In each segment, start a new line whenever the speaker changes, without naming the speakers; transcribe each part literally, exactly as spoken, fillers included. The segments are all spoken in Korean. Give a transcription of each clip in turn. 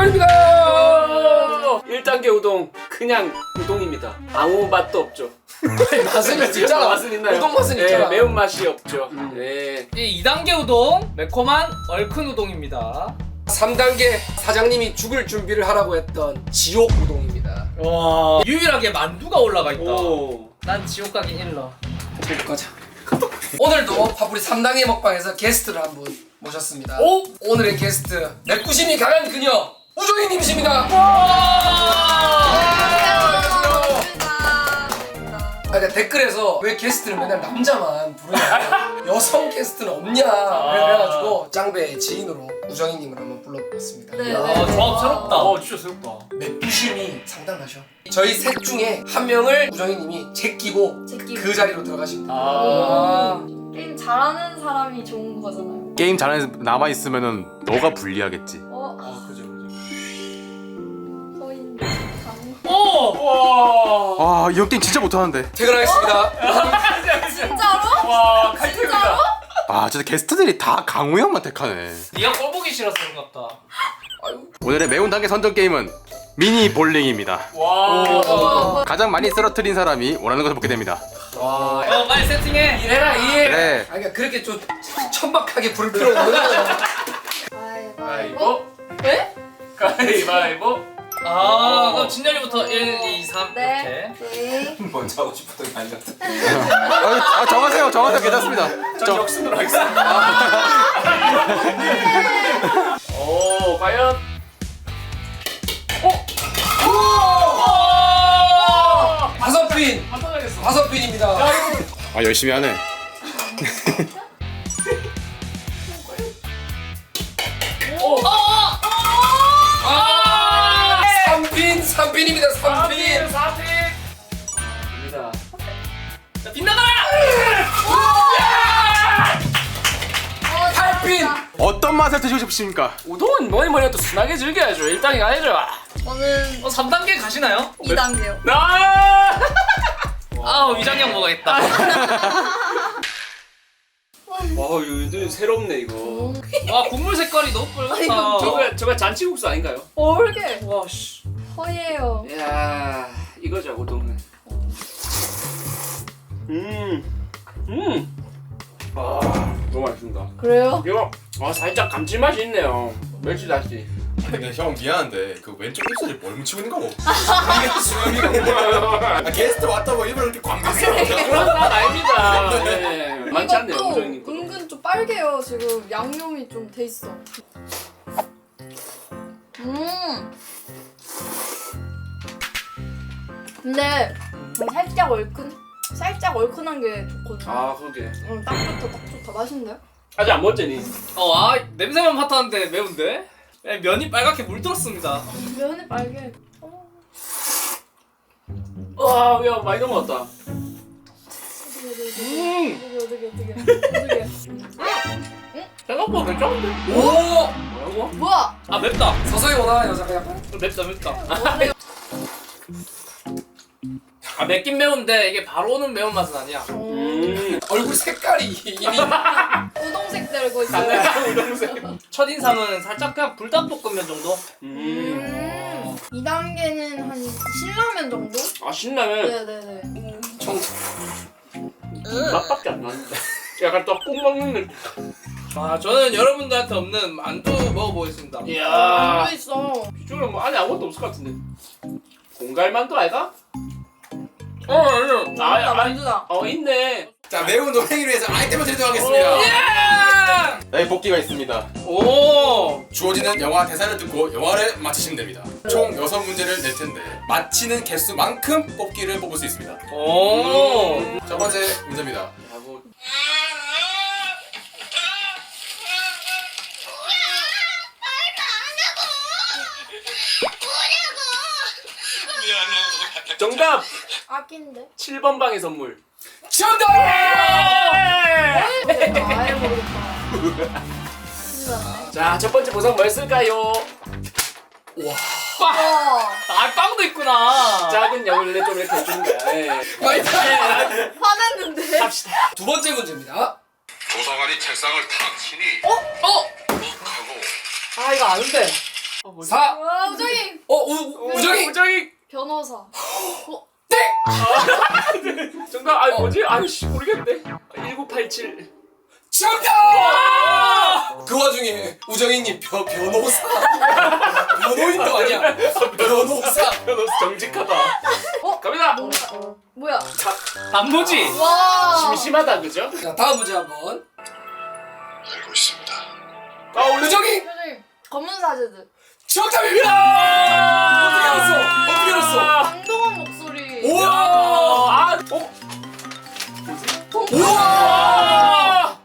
우동입니다.
일 단계 우동 그냥 우동입니다. 아무 맛도 없죠.
맛은 있잖아.
맛은 있나요?
우동 맛은
네,
있잖아.
매운 맛이 없죠.
음.
네.
이 이 단계 우동 매콤한 얼큰 우동입니다.
삼 단계 사장님이 죽을 준비를 하라고 했던 지옥 우동입니다.
와 유일하게 만두가 올라가 있다.
오.
난 지옥 가기 일러.
가자. 오늘도 파프리 삼 단계 먹방에서 게스트를 한 분 모셨습니다.
오!
오늘의 게스트 내꾸심이 강한 그녀 우정희님이십니다. 아, 그러니까 댓글에서 왜 게스트는 맨날 남자만 부르냐, 여성 게스트는 없냐 그래가지고 짱배의 지인으로 우정희님을 한번 불러봤습니다.
네.
아 조합 새롭다.
어, 진짜 새롭다.
내꾸심이 상당하셔. 저희 셋 중에 한 명을 우정희님이 제끼고
제끼고.
그 자리로 들어가십니다.
아.
게임 잘하는 사람이 좋은 거잖아요.
게임 잘하는 남아 있으면은 너가 불리하겠지.
어,
아, 그죠, 그죠.
거인 강.
오!
와.
아, 이 형 게임 진짜 못하는데.
퇴근하겠습니다.
진짜로?
와, 칼퇴입니다.
아, 진짜 게스트들이 다 강우 형만 택하네.
네가 꼴보기 싫어서 그런갑다.
오늘의 매운 단계 선정 게임은 미니 볼링입니다.
와.
가장 많이 쓰러뜨린 사람이 원하는 것을 먹게 됩니다.
와,
어 빨리 세팅해.
이래라 이.
그래.
아, 그러니까 그렇게 좀 천박하게 부를 필요 없는 거예요.
가위바위보.
가위바위보.
네?
가위바위보.
아 그럼 진열이부터 일, 이, 삼
네.
이렇게.
네.
먼저 하고 싶었던 게 아니라.
아, 아, 정하세요. 정하세요. 괜찮습니다.
전
정-
역순으로 하겠습니다. 오, 과연?
다섯 핀,
한번하겠어.
다섯 핀입니다.
아, 열심히 하네.
삼 핀, 삼 핀입니다. 삼 핀.
사 핀. 입니다.
자 빗나가라.
팔 핀.
어떤 맛을 드시고 싶으십니까?
우동은 뭐니 뭐니 해도 순하게 즐겨야죠. 일 단계 가야죠.
저는
어 삼 단계 가시나요?
이 단계요.
나.
아 위장형 먹어야겠다.
와, 이거 새롭네 이거.
와 국물 색깔이 너무 빨갛다.
저거 저거 잔치국수 아닌가요?
모르게
와 씨.
허예요.
이야, 이거죠 우동은. 음, 음. 아, 너무 맛있습니다.
그래요?
이거 와 살짝 감칠맛이 있네요. 멸치 다시.
근데 형 미안한데 그 왼쪽 입술이 뭘 묻히고 있는 거고?
이게 수염이가 뭐야?
아, 게스트 왔다고 일부러 이렇게 광대했어.
그런 건 아닙니다. 네, 많지 않네요
이것도
우정님 거.
은근 좀 빨개요. 지금 양념이 좀 돼 있어. 음. 근데 살짝 얼큰? 살짝 얼큰한 게 좋거든요.
아, 그러게.
응, 딱 좋다, 딱 좋다. 맛있는데?
아직 안 먹었잖니.
어아 냄새만 맡았는데 매운데? 네, 면이 빨갛게 물들었습니다.
면이 빨개. 어.
와, 야 많이 넘어갔다.
어떻게 어떻게 어떻게 어떻게 어떻게
생각보다 괜찮은데?
오!
뭐라고?
뭐야?
아 맵다.
서서히 오나 여자가 약간.
맵다 맵다. 아 맵긴 매운데 이게 바로 오는 매운맛은 아니야.
음.
얼굴 색깔이 이미
우동색 들고 있어요.
우동색.
첫인상은 살짝 그냥 불닭볶음면 정도?
음.
음. 이 단계는 한 신라면 정도?
아, 신라면
네네네.
청 맛밖에 안 나는데. 약간 떡국 먹는 느낌.
아 저는 여러분들한테 없는 만두 먹어보겠습니다.
이야.
만두 있어.
비주얼은 뭐 안에 아무것도 없을 것 같은데. 공갈만두 아이가? 어, 아니요.
만두다
아, 아,
만두다.
어, 있네.
자, 매운 노랭이를 위해서 아이템을 제공하겠습니다. 여기 복귀가 있습니다.
오!
주어지는 영화 대사를 듣고 영화를 맞히시면 됩니다. 총 여섯 문제를 낼 텐데 맞히는 개수만큼 뽑기를 뽑을 수 있습니다.
오!
첫 번째 문제입니다.
야, 뭐. 정답!
아낀데?
칠 번 방의 선물.
정답!
내가 아예 모르겠다. 신기하네.
자, 첫 번째 보상 뭐였을까요?
빵!
와.
아 빵도 있구나!
작은 약을 좀 이렇게 해주는 거야. 예.
많이
화났는데?
갑시다.
두 번째 문제입니다.
조사관이 책상을 탁 치니
어?
하고
아 이거 아는데
어, 뭐지?
사.
와 우정이
어 우, 우정이.
우정이
변호사. 어,
정답. 아 뭐지? 아이씨 모르겠네. 일구팔칠.
정답! 그 와중에 우정이님 변 변호사. 변호인도 아니야. 변호사.
변호사 정직하다.
어?
갑니다.
뭔가 뭐야?
단무지.
와.
심심하다 그죠?
자 다음 문제 한번.
알고 있습니다.
아 원래
우정이
우정이 검은 사제들.
정답입니다. 어떻게 알았어? 어떻게 알았어?
강동원 목소리.
우와.
아 어?
우와.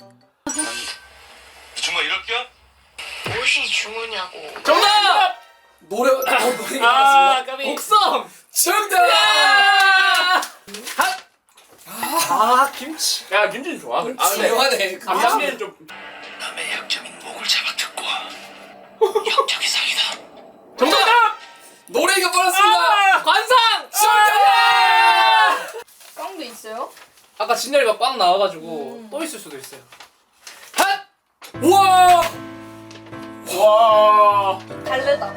정말 이럴 겸?
무엇이 중요냐고.
정답.
노래 어, 노래
아
나왔습니다.
까비.
곡성.
정답.
아 김치. 야 김치는 좋아. 아 근데
중요하네.
감자면 좀.
남의 약점인 목을 잡아뜯고 역적이 사기다.
정답.
노래가 빨랐습니다.
아!
관상.
정답.
꽝도 있어요?
아까 진열이가 꽝 나와가지고
음.
또 있을 수도 있어요.
우와.
와.
달래다.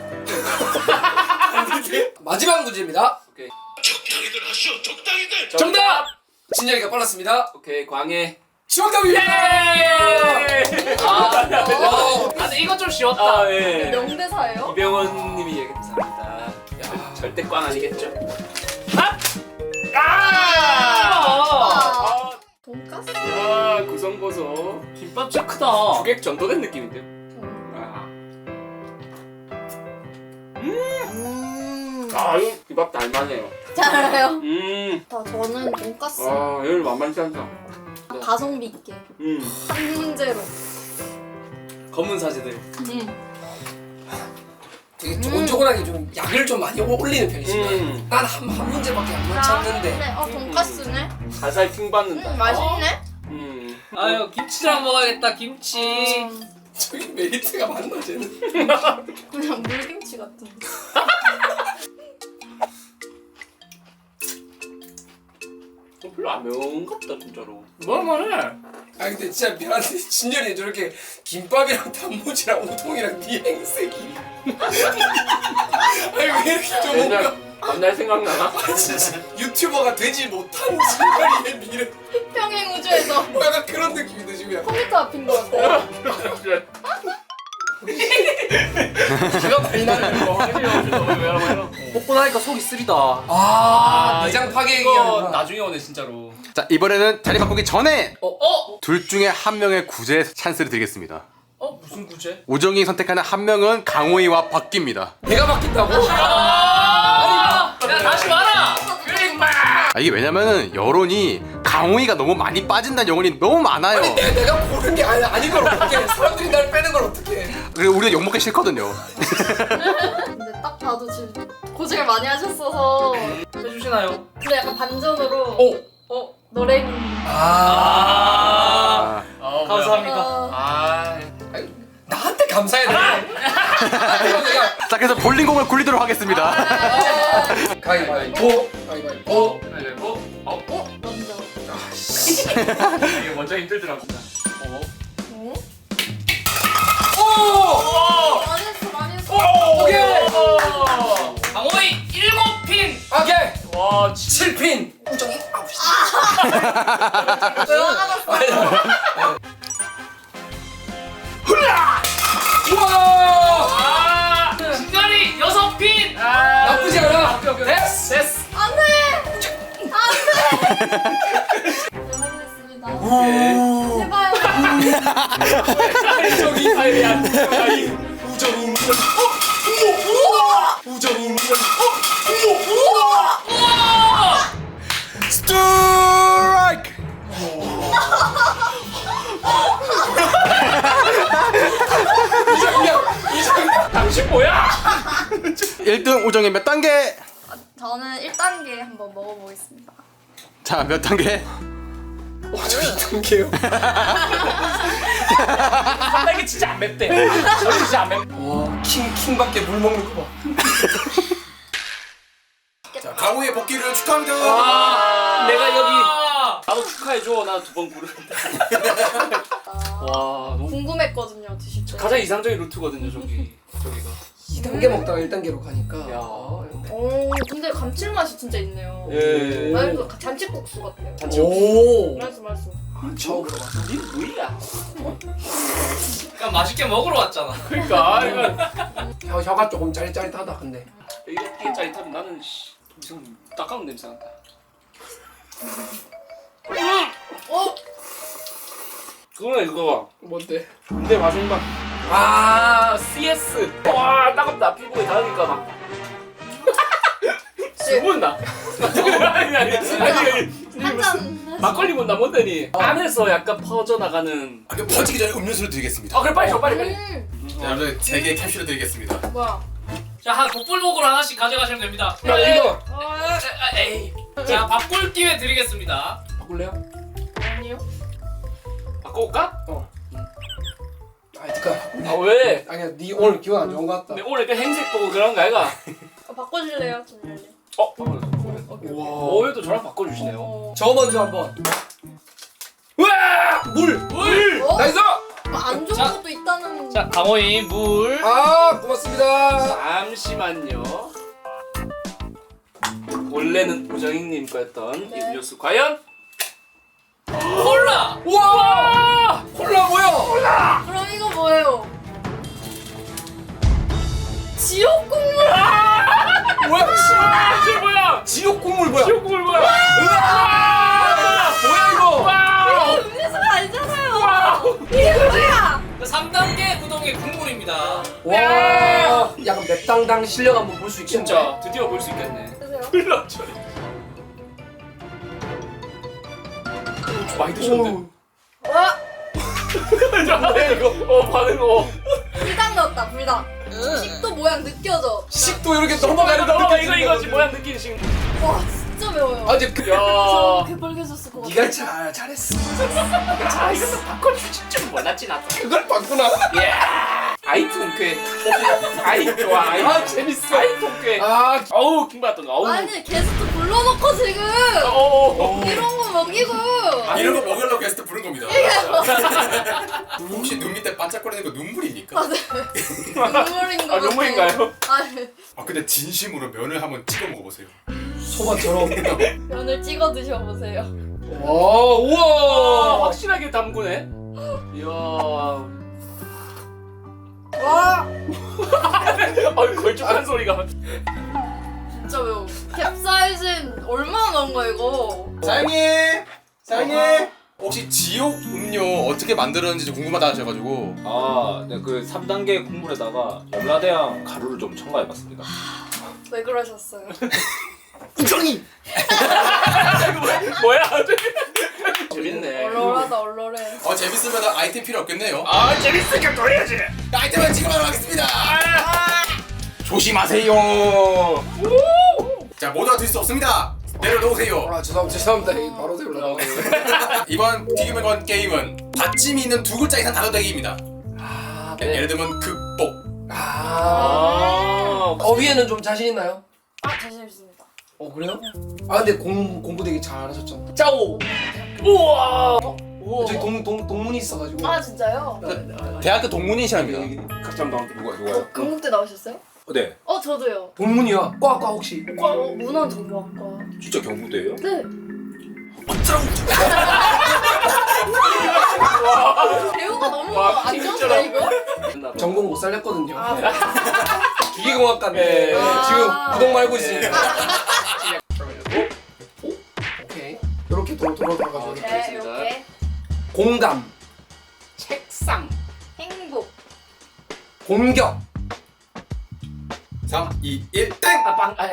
마지막 문제입니다.
오케이.
적당히들 하시오. 적당히들.
정답.
진열이가 빨랐습니다.
오케이 광해.
정답입니다.
아,
어.
아 근데 이거 좀 쉬웠다.
아 예.
명대사예요?
이병헌님이 얘기했습니다. 야, 절대 꽝 아니겠죠? 아! 아!
아. 돈까스?
아, 구성보소.
김밥 진짜 크다.
주객 전도된 느낌인데요?
음.
아,
음.
아 이거 이밥 달만해요.
잘 알아요.
음,
다 저는 돈까스.
아, 얘를 만만치 않다.
가성비 있게
음,
한 문제로.
검은 사제들.
음.
되게 조곤조곤하게 좀 약을 좀 많이 올리는 편이지만
음.
난 한 한 문제밖에 안
네,
맞췄는데.
어 돈까스네.
살살 킹 받는다.
음 맛있네.
음,
아유 김치랑 먹어야겠다. 김치.
음,
저기 메리트가 맞나 쟤는?
그냥 물김치 같은데.
어, 별로 안 매운 것 같다 진짜로.
뭘만해?
아 근데 진짜 미안한데 진열이 저렇게 김밥이랑 단무지랑 우동이랑 네 행색이 아니 왜 이렇게 좀 뭔가
옛날 옛날 생각나나?
아, 진짜 유튜버가 되지 못한 진열이의 미래
평행 우주에서
뭐 약간 그런 느낌인데 지금
컴퓨터 앞인 것 같아.
기가 많이 나는 거
먹고 나니까 속이 쓰리다.
아 내장 파괴
이거
얘기하는구나.
나중에 오네 진짜로.
자 이번에는 자리 바꾸기 전에
어? 어?
둘 중에 한 명의 구제 찬스를 드리겠습니다.
어? 무슨 구제?
우정이 선택하는 한 명은 강호이와 바뀝니다.
내가 바뀐다고?
아! 야 다시 와라! 그래
아, 이게 왜냐면은 여론이 강호이가 너무 많이 빠진다는 여론이 너무 많아요.
아니 내, 내가 고른 게 아니, 아닌 걸 어떡해. 사람들이 날 빼는 걸 어떡해.
그리고 우리가 욕먹기 싫거든요.
근데 딱 봐도 지금 고생을 많이 하셨어서.
해주시나요?
근데 약간 반전으로.
오! 어?
노랭이.
아,
아 감사합니다.
아.
아
나한테 감사해야 돼. 이거 내가
자 그래서 볼링공을 굴리도록 하겠습니다.
가위바위보 가위바위보
가위바위보. 어? 어?
먼저.
이게 먼저 힘들더라 진짜. 어?
어?
오!
많이 했어 많이 했어.
오케이!
강호이 일곱 핀!
오케이!
와 진-
칠 핀! 우정이 아홉 시
왜 화나갔어?
우와!
아! 진열이 여섯 핀!
나쁘지 않아!
됐어! 됐어!
안돼. 안돼. 네 확인했습니다. 제발.
우정이
아이야.
우정이 우정이 우정이
스트라이크!
이정이야! 이정이야!
당신 뭐야?
일 등 우정이 몇 단계?
저는 일 단계 한번 먹어보겠습니다.
자 몇 단계?
저 이 단계요.
한 달기 진짜 안 맵대. 저는 진짜 안 맵.
와, 킹 킹밖에 물 먹는 거 봐.
자 강호이의 복귀를 축하합니다.
아, 내가 여기 나도 축하해줘. 나 두 번 부르는데.
아,
와, 너무
궁금했거든요 드실 때.
가장 이상적인 루트거든요, 저기. 저기가.
이 단계 먹다가 일 단계로 가니까.
야.
오 근데 감칠맛이 진짜 있네요.
예.
말도 잔치국수 같아요.
오.
맛있어 맛있어.
아, 처음 들어봤어.
니 뭐야?
그냥 맛있게 먹으러 왔잖아.
그러니까 이거
혀, 혀가 조금 짜릿짜릿하다 근데.
이게 이게 짜릿하면 나는 씨 무슨 따가운 냄새 난다.
어?
그거는 그거.
뭔데?
근데 마지막
아
씨에스. 와 따갑다. 피부에 닿으니까 막. 수분 나. 아니 아니 아니 아니.
한잔
막걸리 못 나뭔데니 안에서 약간 퍼져나가는.
아, 그 퍼지기 전에 음료수를 드리겠습니다.
아 그래 빨리 줘 빨리 빨리.
음
자, 여러분 세 개의 캡슐을 드리겠습니다.
뭐야?
자, 한 복불복으로 하나씩 가져가시면 됩니다.
야 이거
아, 에이. 자, 바꿀 기회 드리겠습니다.
바꿀래요?
아니요.
바꿔올까?
아 잠깐.
아 왜?
아니야 네 오늘 기분 안 좋은 것 같다.
근데 오늘 그 행색 보고 그런 거 아이가?
어, 바꿔줄래요, 진열님?
어?
와.
오해도 저랑 바꿔주시네요.
어.
저 먼저 한번. 우와 물.
물!
어?
나이스.
안 좋은
자.
것도 있다는.
자, 강호인 물.
아 고맙습니다.
잠시만요. 원래는 우정익님 거였던
네.
이 음료수 과연?
콜라.
우와 콜라 뭐야?
그럼 이거 뭐예요? 지옥 국물.
뭐야?
아, 저 뭐야?
지옥 국물 뭐야?
지옥국물 뭐야?
으아! 뭐야 이거?
와우!
이거 음료수가 아니잖아요. 이게 뭐야?
삼 단계 우동의 국물입니다.
와 약간 맵당당 실력 한번 볼 수 있겠네.
진짜 드디어 볼 수 있겠네.
드세요.
흘러 저리. 많이 드셨는데?
와
뭐야 이거? 어 반응 어.
불닭 넣었다 불닭. 식도 모양 느껴져.
식도 이렇게 넘어가는 거
넘어가 이거
느껴지는
이거지
거지.
모양 느끼는 지금.
와 진짜 매워요.
아 근데 그
저
야.
개빨개졌을 것 같아.
네가 잘 잘했어.
아 이것도 바꿔주지 좀 몰랐지 나도.
그걸 봤구나.
예. 아이 통쾌. 아이 좋아. 아이.
아 재밌어.
아이 통쾌.
아
어우 킹받던 거. 어우.
아니 게스트 불러놓고 지금
어.
이런 거 먹이고.
이런 거 먹으려고 게스트 부른 겁니다. 혹시 눈 밑에 반짝거리는 거 눈물입니까?
눈물인 거
아
같아.
눈물인가요?
아니
아 근데 진심으로 면을 한번 찍어 먹어보세요.
소바처럼.
면을 찍어 드셔보세요.
와
와
우와.
확실하게 담그네. 이야.
와
어이 걸쭉한 소리가.
진짜 매워. 캡사이신 얼마나 넣은 거야 이거?
사장님! 사장님! 혹시 지옥 음료 어떻게 만들었는지 궁금하다 하셔가지고
아, 네, 그 삼 단계 국물에다가 열라대왕 가루를 좀 첨가해봤습니다.
왜 그러셨어요?
우정이.
뭐야? 재밌네.
얼얼하다 얼얼해.
어 재밌으면 아이템 필요 없겠네요.
아 재밌으니까 또 해야지.
아이템은 지금 하러 가겠습니다. 조심하세요. 자 모두가 들 수 없습니다. 내려놓으세요.
아 죄송합니다 죄송합니다. 이 바로 세울라.
이번 튀김을 건 게임은 받침이 있는 두 글자 이상 단어 대기입니다.
아
네.
예를 들면 극복.
아.
아.
어휘에는 좀 자신 있나요?
아 자신 있습니다.
어 그래요? 아 근데 공 공부 되게 잘하셨잖아.
짜오. 우와.
저기 동, 동 동문이 있어가지고.
아 진짜요?
대학교 동문인 시험입니다.
각자 나한테
누가 누가요?
금국대 나오셨어요?
네,
어 저도요.
동문이야. 과과 혹시?
과 어, 문화정보학과.
진짜 경부대예요?
네. 배우가 너무
와,
안 좋은데
진짜로.
이거?
전공 못 살렸거든요.
아,
기계공학과인데
네.
지금
아.
부동 말고 있으니까. 오? 오? 오케이. 이렇게 도로 도로 돌아가지고 이렇게.
네 이렇게
공감,
책상.
행복.
공격,
삼, 이, 일, 땡!
아 빵. 아,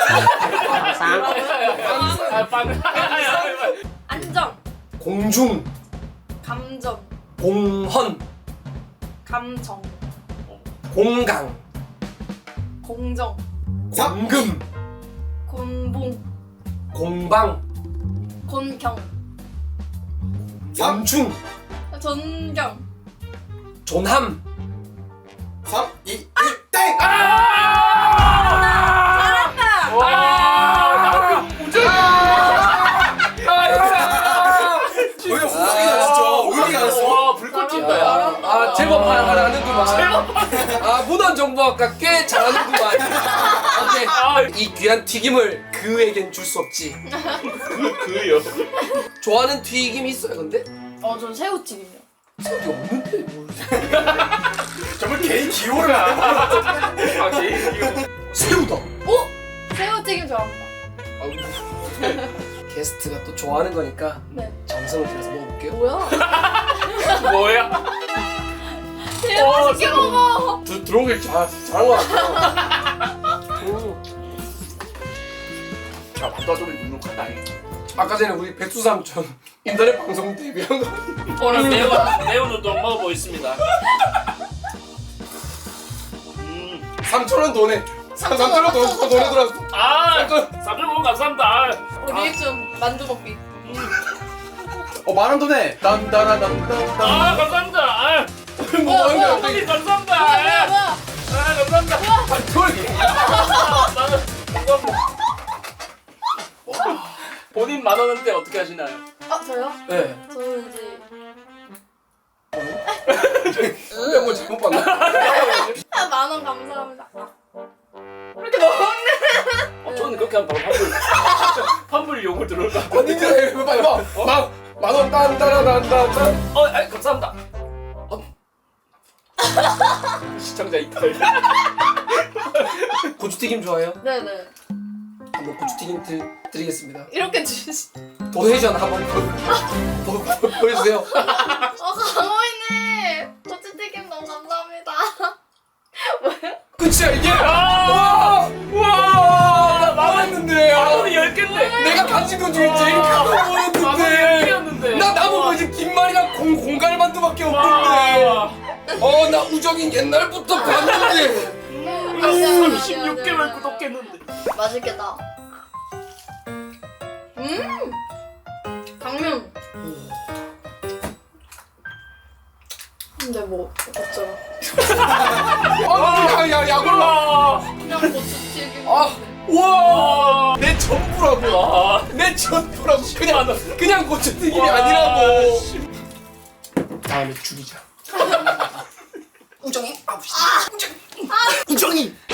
아 빵.
안정.
공중,
감정.
공헌,
감정.
공강,
공정.
공금,
곤봉.
공방,
곤경.
염충,
전경.
존함,
삼, 이, 일, 땡!
잘한다.
와. 우정.
왜 후각이 나셨죠? 의미가 나셨어.
와 불꽃 튄다 야.
아 제법 하는구만.
제법
아 문헌정보학과 꽤 잘하는구만. 오케이.
아,
이 귀한 튀김을 그에겐 줄 수 없지.
그요.
좋아하는 튀김이 있어요 근데?
어, 전 새우튀김이요.
새우튀 없는데 뭘.
정말 개인 기호를
아, 개인 이거.
새우다.
새우튀김 좋아합니다.
게스트가 또 좋아하는 거니까
네.
정성을 들여서 먹어볼게요.
뭐야?
뭐야?
제일 맛있게 먹어.
들 들어오길 잘 잘한 거 같아요.
자, 반다조리 눅눅하다.
아까 전에 우리 백수삼촌 인터넷 방송 데뷔한 거.
오늘 매운 매운 우동 먹어보겠습니다. 음,
삼천 원 돈에. 삼천 원 돈, 돈 돈에 들어왔어.
아, 삼촌 너무 감사합니다.
우리 리액션 만두 먹기.
어 만원 돈에 딴따라딴딴딴
아, 감사합니다. 아,
뭐 하는 거야?
형님 감사합니다.
뭐야,
아,
뭐야?
아, 감사합니다.
돌기.
나는 감사합니다. 본인 만 원인데 어떻게 하시나요?
아, 저요?
네.
저는 이제
뭐 잘못 봤나?
아, 만 원 감사합니다. 이렇게 먹었네.
어, 저는 그렇게 하면 바로 환불 환불 욕을 들을까?
언니들 왜 봐, 이봐. 만 만원 딴따라딴딴.
어, 아, 감사합니다. 어. 시청자 이탈.
고추튀김 좋아해요?
네네.
한번 고추튀김 드, 드리겠습니다.
이렇게 주시.
도네이션 한번 보, 보, 보, 보여주세요.
어, 강호이님. 고추튀김 너무 감사합니다. 뭐야?
끝이야 이게.
아,
와, 나왔는데.
만 원이 열 개인데.
내가 가진 것 중에 제일 큰
만 원이 열
거였는데.
개였는데.
나 남은 거 이제 김말이랑 공 공갈만두밖에 없는데. 어, 나 우정인 옛날부터 봤는데.
삼십육 개월 구독했는데.
맛있겠다. 음. 당면. 근데 뭐 어쩌라.
아, 야, 야, 야골라.
아,
그냥 고추튀김.
아, 와, 내 전부라고.
아,
내 전부라고. 그냥
만 원.
그냥 고추튀김이
와,
아니라고. 다음에 죽이자. 우정이, 아, 우정이, 우정이.